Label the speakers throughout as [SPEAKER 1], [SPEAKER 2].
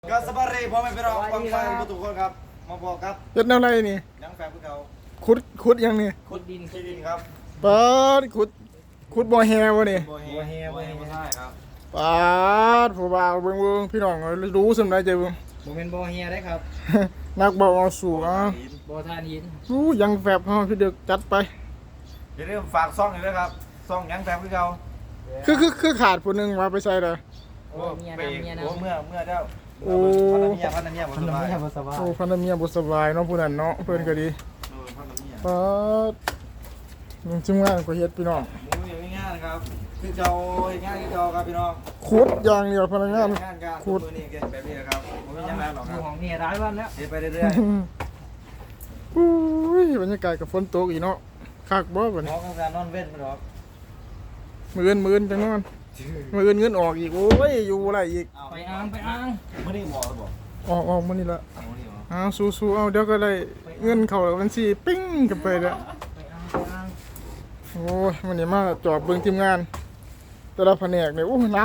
[SPEAKER 1] ก็สบายเลยพอไม่ไปรอฟังไฟประตูคนครับมาบอกครับ
[SPEAKER 2] เฮ็ดแนวไรนี่
[SPEAKER 1] ยังแฟนพวกเขา
[SPEAKER 2] ขุดยังนี่
[SPEAKER 1] ขุดดินขี้ดินครับ
[SPEAKER 2] ปาดขุดบ่อแฮวะนี่
[SPEAKER 1] โบเฮโบเฮไม่ใช่ครับ
[SPEAKER 2] ปาดผู้บ่าวเบิ่งพี่น้องรู้สำได้ใจเบิ่ง
[SPEAKER 3] โมเป็นโบเฮียได้ครับ
[SPEAKER 2] นักบ่เอาสู่อ่ะ
[SPEAKER 3] โบทานหิน
[SPEAKER 2] รู้ยังแฟบเฮาพี่เด็กจัดไป
[SPEAKER 1] อย่าลืมฝากซ่องเลยนะครับซ่องยังแฟนพวกเขา
[SPEAKER 2] คือขาดผู้หนึงว่าไปใส่เด้อ
[SPEAKER 3] โอ้เมีย
[SPEAKER 1] ไป
[SPEAKER 3] นำเมียนำ
[SPEAKER 1] เมื่อเจ้า
[SPEAKER 2] โอ้
[SPEAKER 1] พันธเมียผมสบาย
[SPEAKER 3] บ่สบาย
[SPEAKER 2] โอ้พันธเมียบ่สบายเนาะผู้นั้นเนาะเพิ่นก็ดี
[SPEAKER 1] พันธเมีย
[SPEAKER 2] ปาดมึงจิมงานก็เฮ็ดพี่น้อง
[SPEAKER 1] มูอย่างง่ายนะครับคือเจ้าง่ายคือเจ้าครับพี่น้อง
[SPEAKER 2] ขุดอย่างเดียวพนักงาน
[SPEAKER 1] งานการมือนี่แบบนี้นะครับผมไม่ยังไงหรอกครับ
[SPEAKER 3] ของเมียร้ายวันแล้ว
[SPEAKER 1] เดินไปเรื่อย
[SPEAKER 2] อุ้ยบรรยากาศกับฝนตกอีกเนาะคักบ่บัด
[SPEAKER 1] ๆน้
[SPEAKER 2] นี้
[SPEAKER 1] องการนอนเว้นไปหรอก
[SPEAKER 2] มื้อนจังนอนมื้อเงินออกอีกโอ้ยอยู่บ่ได้อีก
[SPEAKER 3] ไปอ้างไปอ้าง
[SPEAKER 1] เมื่อนี้หมอบอก
[SPEAKER 2] ออกมื้อนี้ละ
[SPEAKER 1] มื่อนี้หมอ
[SPEAKER 2] อ้าวสู้ๆเอาเดี๋ยวก็ได้เงินเข้าบัญชีปิ้งกันไปแล้ว
[SPEAKER 3] ไปอ้างไปอ้าง
[SPEAKER 2] โอ้ยวันนี้มาจอบเบิ่งทีมงาน แต่ละแผนกเนี่ยโอ้ยหนัก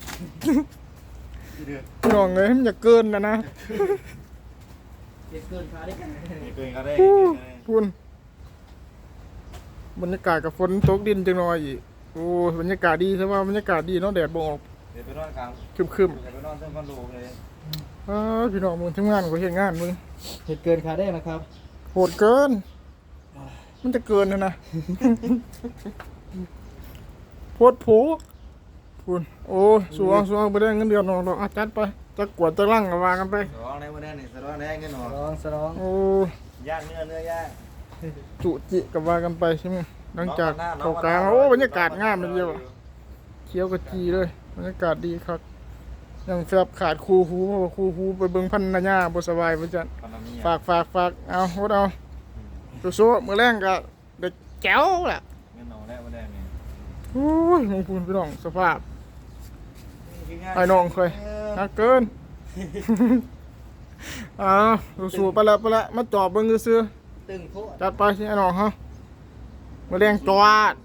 [SPEAKER 2] พี่น้องเอ้ยมันอย่าเกินนะ
[SPEAKER 3] เด็กเกินขาได้กัน
[SPEAKER 1] เกินก็ได้
[SPEAKER 2] พุ่นบรรยากาศกับฝนตกดินจังหน่อยอีกโอ้ยบรรยากาศดีใช่ป่ะบรรยากาศดีเนาะแดดบ่ออก
[SPEAKER 1] เดี๋ยวไปนอนกลาง
[SPEAKER 2] ครึม
[SPEAKER 1] เดี๋ยวไปนอนเส้นคอนโดเลย
[SPEAKER 2] ๆพี่น้องมึงทำงานก็เฮ็ดงานมึง
[SPEAKER 3] เหตุเกินขาได้นะครับ
[SPEAKER 2] โหดเกิน มันจะเกินนะ โพดโผพุ่นโอ้ยสวงไปได้เงินเดือนออกเราจัดไปจะกวดจะลั่งก็ว่ากันไป
[SPEAKER 1] สร้องในวันนี้นี่สร้องในเงินหนอ
[SPEAKER 3] สร้อง
[SPEAKER 2] โอ้
[SPEAKER 1] ย่างเนื้อย่าง
[SPEAKER 2] จุจิกับว่ากันไปใช่ไหมหลังจากเข้ากลางโอ้บรรยากาศงามเลยเดียวอะเขียวกระจีเลยบรรยากาศดีครับยังแฟบขาดคูหูเพราะว่าคูหูไปเบิ่งพันนาญาบ่สบายบ่จัดฝากเอาโหดเอาสู้ๆมื้อแรงก็เด็กแจ๋วล่ะ
[SPEAKER 1] เงินหนอแล้ววันนี้
[SPEAKER 2] โอ้ยมงพูนพี่น้องสภาพไอ้น้องเคยนักเกิน สู้ๆไปละมาจอบเบิ่งซื่อ
[SPEAKER 3] ตึงโทษ
[SPEAKER 2] ๆจัดไปสิไอ้น้องฮะมื้อแรงจอด